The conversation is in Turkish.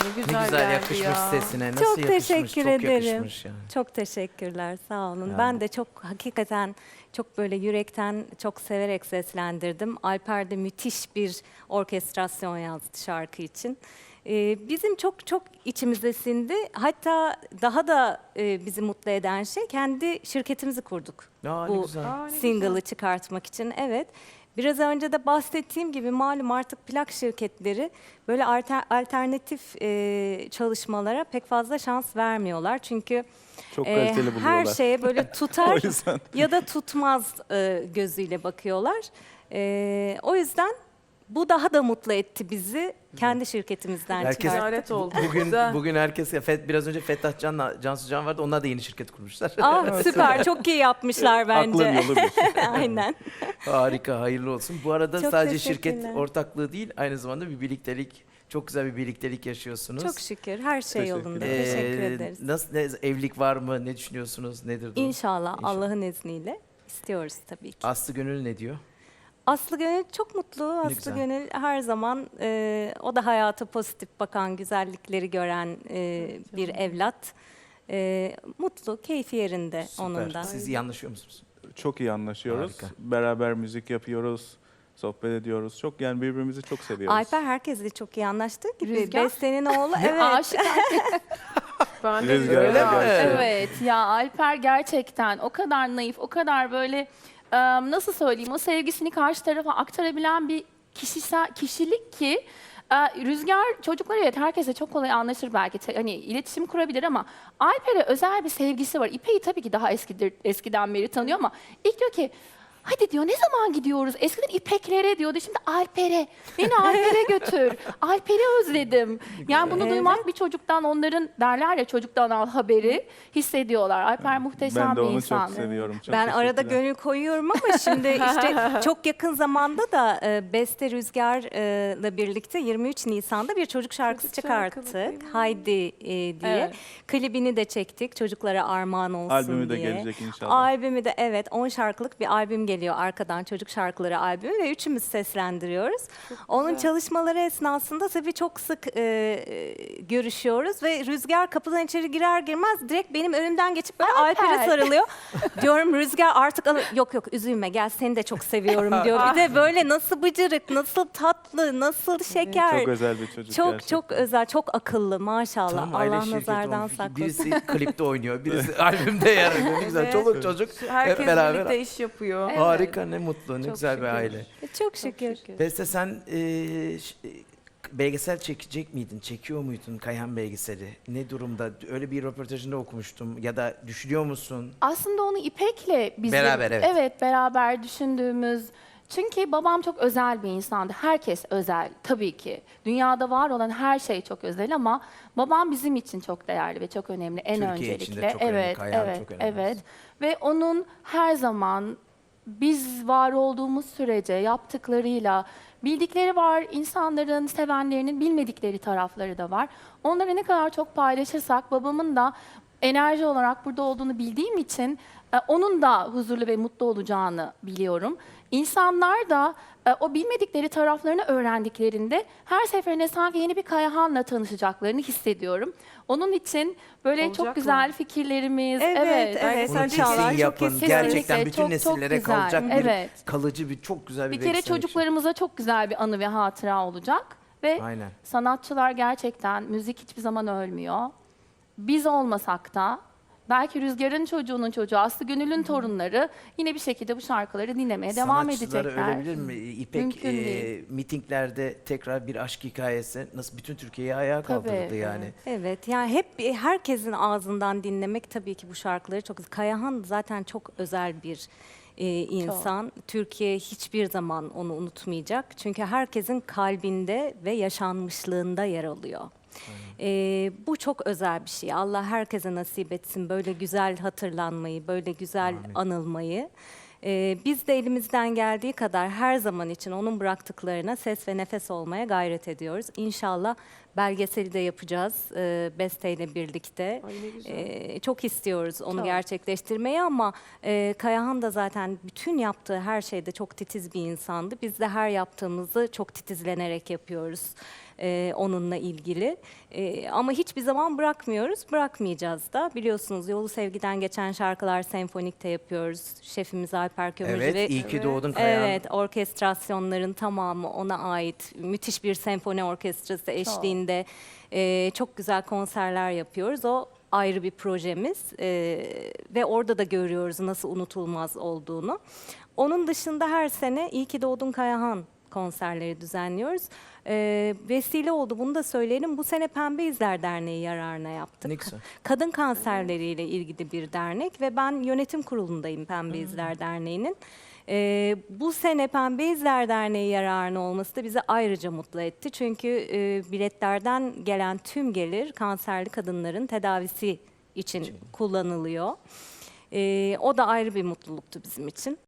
Ne Ne güzel, güzel geldi yakışmış ya. sesine. Nasıl Çok yakışmış? teşekkür Çok ederim. yakışmış yani. Çok teşekkürler, sağ olun. Ya. Ben de çok hakikaten çok böyle yürekten çok severek seslendirdim. Alper de müthiş bir orkestrasyon yazdı şarkı için. Bizim çok çok içimize sindi. Hatta daha da bizi mutlu eden şey kendi şirketimizi kurduk. Aa, ne Bu güzel. Aa, ne single'ı çıkartmak için. Evet. Biraz önce de bahsettiğim gibi malum artık plak şirketleri böyle alternatif çalışmalara pek fazla şans vermiyorlar. Çünkü Çok kaliteli her buluyorlar. şeye böyle O tutar yüzden. ya da tutmaz gözüyle bakıyorlar. O yüzden bu daha da mutlu etti bizi kendi şirketimizden Herkes- çıkarttık. Ticaret oldu. Bugün Güzel. bugün herkes biraz önce Fettah Can'la Cansu Can vardı. Onlar da yeni şirket kurmuşlar. Süper, çok iyi yapmışlar bence. Aklı yolu bir. Aynen. Harika, hayırlı olsun. Bu arada Çok sadece şirket teşekkürler. ortaklığı değil, aynı zamanda bir birliktelik, çok güzel bir birliktelik yaşıyorsunuz. Çok şükür, her şey Teşekkür yolunda. ederim. Teşekkür ederiz. Nasıl evlilik var mı? Ne düşünüyorsunuz? Nedir durum? İnşallah, İnşallah. Allah'ın izniyle istiyoruz tabii ki. Aslı Gönül ne diyor? Aslı Gönül çok mutlu. Aslı güzel. Gönül her zaman o da hayata pozitif bakan, güzellikleri gören bir evlat. Mutlu, keyfi yerinde Süper. onun da. Siz iyi anlaşıyor musunuz? Çok iyi anlaşıyoruz. Harika. Beraber müzik yapıyoruz. Sohbet ediyoruz. Çok yani birbirimizi çok seviyoruz. Alper herkesle çok iyi anlaştığı gibi. Rüzgar? Beste'nin oğlu, evet. Aşık. Ben de Rüzgar, öyle Rüzgar. mi? Evet ya Alper gerçekten o kadar naif, o kadar böyle nasıl söyleyeyim o sevgisini karşı tarafa aktarabilen bir kişilik ki Rüzgar çocuklar evet herkese çok kolay anlaşır belki hani iletişim kurabilir ama Alper'e özel bir sevgisi var. İpek'i tabii ki daha eskiden beri tanıyor ama ilk diyor ki hadi diyor ne zaman gidiyoruz? Eskiden İpeklere diyordu şimdi Alper'e. Beni Alper'e götür. Alper'i özledim. Yani bunu duymak bir çocuktan onların derler ya çocuktan al haberi hissediyorlar. Alper muhteşem Ben de bir onu insan. çok seviyorum. Çok Ben arada teşekkürler. gönül koyuyorum ama şimdi işte çok yakın zamanda da Beste Rüzgar'la birlikte 23 Nisan'da bir çocuk şarkısı Çocuk şarkısı değil çıkarttık. mi? Haydi diye. Evet. Klibini de çektik çocuklara armağan olsun Albümü de diye. gelecek inşallah. Albümü de evet 10 şarkılık bir albüm geliyor arkadan çocuk şarkıları albümü ve üçümüz seslendiriyoruz. Onun çalışmaları esnasında tabii çok sık görüşüyoruz ve Rüzgar kapıdan içeri girer girmez direkt benim önümden geçip böyle Alper'e sarılıyor. Diyorum Rüzgar artık yok üzülme gel seni de çok seviyorum diyor. Bir de böyle nasıl bıcırık, nasıl tatlı, nasıl şeker. Çok özel bir çocuk Çok gerçekten. çok özel, çok akıllı maşallah. Tam aile Allah şirketi nazardan olmuş. saklasın. Birisi klipte oynuyor, birisi albümde yer alıyor. Ne güzel. Evet. Çoluk çocuk Herkes hep beraber. birlikte iş yapıyor. Evet. Harika, ne mutlu, ne Çok güzel bir şükür. aile. Çok şükür. Beste sen belgesel çekecek miydin? Çekiyor muydun Kayhan belgeseli? Ne durumda? Öyle bir röportajında okumuştum. Ya da düşünüyor musun? Aslında onu İpek'le bizim Beraber, evet. beraber düşündüğümüz çünkü babam çok özel bir insandı. Herkes özel tabii ki. Dünyada var olan her şey çok özel ama babam bizim için çok değerli ve çok önemli en Türkiye öncelikle. için de çok önemli, evet, Kayhan evet, çok önemli. evet. Ve onun her zaman biz var olduğumuz sürece yaptıklarıyla bildikleri var, insanların, sevenlerinin bilmedikleri tarafları da var. Onları ne kadar çok paylaşırsak babamın da enerji olarak burada olduğunu bildiğim için onun da huzurlu ve mutlu olacağını biliyorum. İnsanlar da o bilmedikleri taraflarını öğrendiklerinde her seferinde sanki yeni bir Kayahan'la tanışacaklarını hissediyorum. Onun için böyle Olacaklar. çok güzel fikirlerimiz, Evet. Bunu İnşallah, kesin yapın. kesinlikle. Gerçekten bütün Çok, çok nesillere güzel. kalacak bir Evet. kalıcı bir çok güzel bir Bir kere belgesel çocuklarımıza çok güzel bir anı ve hatıra olacak ve Aynen. sanatçılar gerçekten müzik hiçbir zaman ölmüyor. Biz olmasak da belki Rüzgar'ın çocuğunun çocuğu, Aslı Gönül'ün torunları yine bir şekilde bu şarkıları dinlemeye devam Sanatçıları edecekler. ölebilir mi? İpek Mümkün değil. mitinglerde tekrar bir aşk hikayesi nasıl bütün Türkiye'yi ayağa Tabii, kaldırdı yani. Evet yani hep herkesin ağzından dinlemek tabii ki bu şarkıları çok. Kayahan zaten çok özel bir insan. Türkiye hiçbir zaman onu unutmayacak. Çünkü herkesin kalbinde ve yaşanmışlığında yer alıyor. Bu çok özel bir şey. Allah herkese nasip etsin böyle güzel hatırlanmayı, böyle güzel anılmayı. Biz de elimizden geldiği kadar her zaman için onun bıraktıklarına ses ve nefes olmaya gayret ediyoruz. İnşallah belgeseli de yapacağız Beste ile birlikte. Ay ne güzel. Çok istiyoruz onu Çok. gerçekleştirmeyi ama Kayahan da zaten bütün yaptığı her şeyde çok titiz bir insandı. Biz de her yaptığımızı çok titizlenerek yapıyoruz. onunla ilgili. Ama hiçbir zaman bırakmıyoruz, bırakmayacağız da. Biliyorsunuz Yolu Sevgiden geçen şarkılar senfonikte yapıyoruz. Şefimiz Alper Kömürcü Evet, ve iyi ki doğdun Kayahan. evet, orkestrasyonların tamamı ona ait. Müthiş bir senfoni orkestrası eşliğinde çok güzel konserler yapıyoruz. O ayrı bir projemiz ve orada da görüyoruz nasıl unutulmaz olduğunu. Onun dışında her sene İyi ki Doğdun Kayahan konserleri düzenliyoruz. Vesile oldu, bunu da söyleyelim. Bu sene Pembe İzler Derneği yararına yaptık. Ne güzel. Kadın kanserleriyle ilgili bir dernek ve ben yönetim kurulundayım Pembe İzler Derneği'nin. Bu sene Pembe İzler Derneği yararına olması da bizi ayrıca mutlu etti. Çünkü biletlerden gelen tüm gelir kanserli kadınların tedavisi için kullanılıyor. O da ayrı bir mutluluktu bizim için.